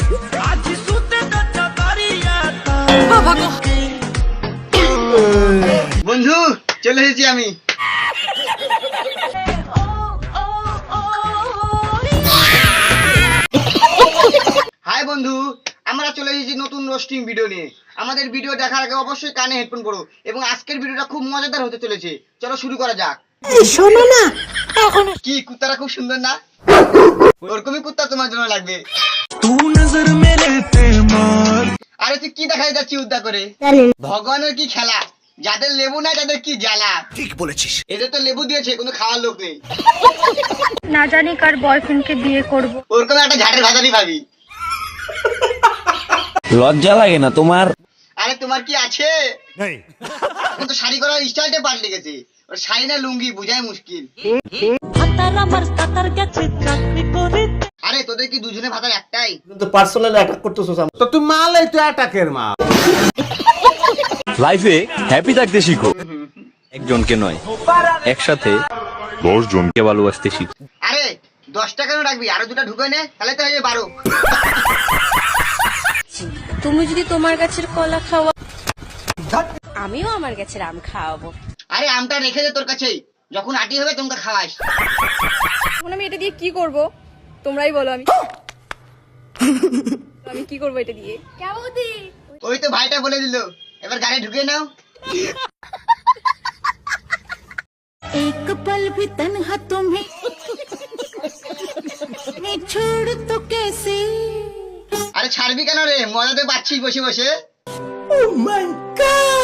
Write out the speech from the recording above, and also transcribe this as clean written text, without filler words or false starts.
বন্ধু চলে এসেছি আমি। হাই বন্ধু, আমরা চলে এসেছি নতুন রোস্টিং ভিডিও নিয়ে। আমাদের ভিডিও দেখার আগে অবশ্যই কানে হেডফোন পরো এবং আজকের ভিডিওটা খুব মজাদার হতে চলেছে। চলো শুরু করা যাক। শোনো না, এখন কি কুত্তারা খুব সুন্দর না? ওরকমই কুত্তা তোমার জন্য লাগবে। আরে তুই কি দেখাই যাচ্ছি উদ্ধার করে? ভগবানের কি খেলা, যাদের লেবু নাই তাদের কি জ্বালা। ঠিক বলেছিস, এদের তো লেবু দিয়েছে, কোনো খাওয়ার লোক নেই। না জানি কার বয়ফ্রেন্ডকে বিয়ে করব। ওরকম একটা ঝাড়ের ভাতারি ভাবি। লজ্জা লাগে না তোমার? আরে তোমার কি আছে? এখন তো শাড়ি করার স্টাইলটা পাল্টে গেছে। ওর শাড়ি না লুঙ্গি বুঝাই মুশকিল। আরে তোদের কি দুজনে ভাতার একটাই? কিন্তু পার্সোনাল অ্যাটাক করতেছস। তো তুই মালাই, তুই অ্যাটাকের মা। লাইফে হ্যাপি থাকতে শিখো, একজনকে নয় একসাথে 10 জনকে ভালোবাসতে শিখো। আরে 10 টাকা রাখবি, আরো দুটো ঢুকে নে, তাহলে তো হয়ে 12। তুমি যদি তোমার গাছের কলা খাওয়া, আমিও আমার গাছের আম খাওয়াবো। আরে আমটা রেখে দে তোর কাছেই, যখন আটি হবে তোমরা খাওয়াস। এখন আমি এটা দিয়ে কি করব তোমরাই বলো। আমি আমি কি করব এটা দিয়ে? কেমদি ওই তো ভাইটা বলে দিল, এবার গাড়ি ঢুকে নাও। एक पल भी तन्हा तुम्हें मैं छोड़ तो कैसे। আরে ছাড়বি কেন রে, মজাতে পাচ্ছিস বসে বসে। Oh my God!